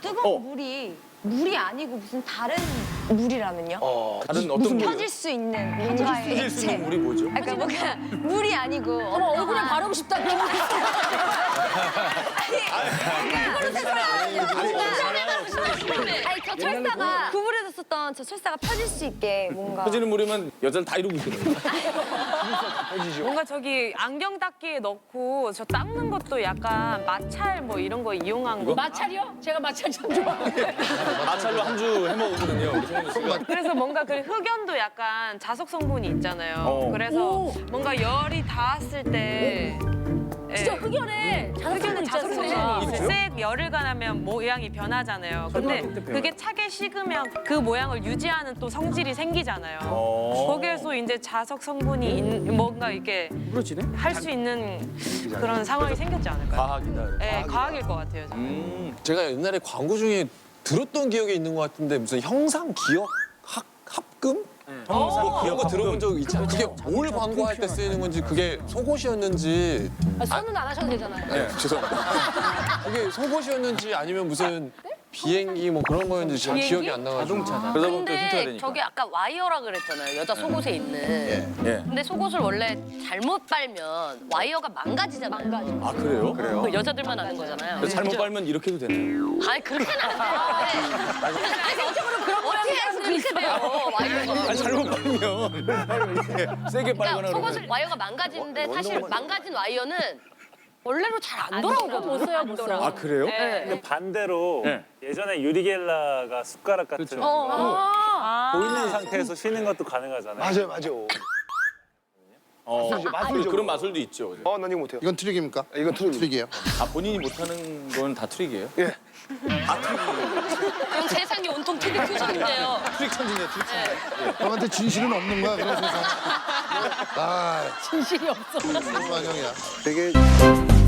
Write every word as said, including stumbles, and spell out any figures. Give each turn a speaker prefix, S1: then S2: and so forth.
S1: 뜨거운 물이 물이 아니고 무슨 다른 물이라면요?
S2: 어,
S3: 다른 어떤 물?
S1: 펴질 수 있는 뭔가의
S3: 펴질 수
S1: 액체.
S3: 있는 물이 뭐죠?
S1: 그러니까 뭔가 물이 아니고
S4: 어머, 얼굴에 바르고 싶다. 그런 거.
S1: 아니 저 철사가 구부려졌었던 저 철사가 펴질 수 있게 뭔가
S3: 펴지는 물이면 여자를 다 이루고 있거든요.
S5: 뭔가 저기 안경 닦기에 넣고 저 닦는 것도 약간 마찰 뭐 이런 거 이용한 거.
S4: 마찰이요? 제가 마찰 참 좋아하는데.
S3: 마찰로 한 주 해먹거든요, 우리 성훈 씨가.
S5: 그래서 뭔가 그 흑연도 약간 자석 성분이 있잖아요.
S3: 어.
S5: 그래서 뭔가 열이 닿았을 때
S4: 진짜
S5: 예.
S4: 흑연에 자석성분
S5: 흑연은 자석
S4: 있잖아요.
S5: 성분이 있어요. 색 열을 가하면 모양이 변하잖아요. 근데 그게 차게 식으면 그 모양을 유지하는 또 성질이 생기잖아요.
S3: 어.
S5: 거기에서 이제 자석 성분이 있- 뭔가 이렇게
S3: 그렇지네.
S5: 할 수 있는 그런 상황이 생겼지 않을까요?
S3: 과학이다.
S5: 네, 과학일 것 같아요. 저는.
S3: 음.
S2: 제가 옛날에 광고 중에 들었던 기억이 있는 것 같은데 무슨 형상 기억 합 합금? 뭐 그런 거 들어본 적 있지 않아요? 그게 뭘 광고할 때 쓰이는 건지 그게 속옷이었는지
S4: 아, 손은 안 하셔도 되잖아요.
S2: 네, 죄송합니다. 그게 속옷이었는지 아니면 무슨 비행기 뭐 그런 거였는지 잘 기억이 안 나가지고.
S3: 자동차다. 그러다 보면 또 힌트가
S6: 근데
S3: 되니까.
S6: 저게 아까 와이어라 그랬잖아요. 여자 속옷에 있는.
S3: 예.
S6: 근데 속옷을 원래 잘못 빨면 와이어가 망가지잖아요. 망가져.
S3: 아, 그래요? 그래요?
S6: 여자들만 아는 거잖아요.
S3: 잘못 빨면 이렇게도 되네요.
S6: 아니 그렇게는 안 돼요. 아니 정적으로 그런 어떻게 해서 그렇게 돼요. 와이어가.
S3: 아니, 잘못 빨면 이렇게 세게
S6: 그러니까
S3: 빨거나
S6: 속옷을 와이어가 망가지는데 사실 망가진 와이어는 원래로 잘 안 돌아오거든요.
S4: 못 써요, 못 써.
S3: 아, 그래요?
S6: 네.
S7: 근데 반대로
S3: 네.
S7: 예전에 유리겔라가 숟가락 같은
S3: 그렇죠.
S7: 거
S5: 아,
S7: 보이는 상태에서 쉬는 것도 가능하잖아요.
S8: 맞아요, 맞아요.
S3: 어,
S8: 마술이죠.
S3: 그런 마술도 있죠.
S8: 어, 난 이거 못해요.
S9: 이건 트릭입니까?
S8: 이건 트릭.
S9: 트릭이에요.
S3: 아, 본인이 못하는 건 다 트릭이에요?
S8: 예.
S6: 그럼 세상이 온통 티비 퓨전인데요.
S3: 트릭 천진이야, 트릭 천진.
S9: 형한테 진실은 없는 거야, 그런 세상. 아,
S4: 진실이 없어.
S9: 무슨 환영이야.
S8: 되게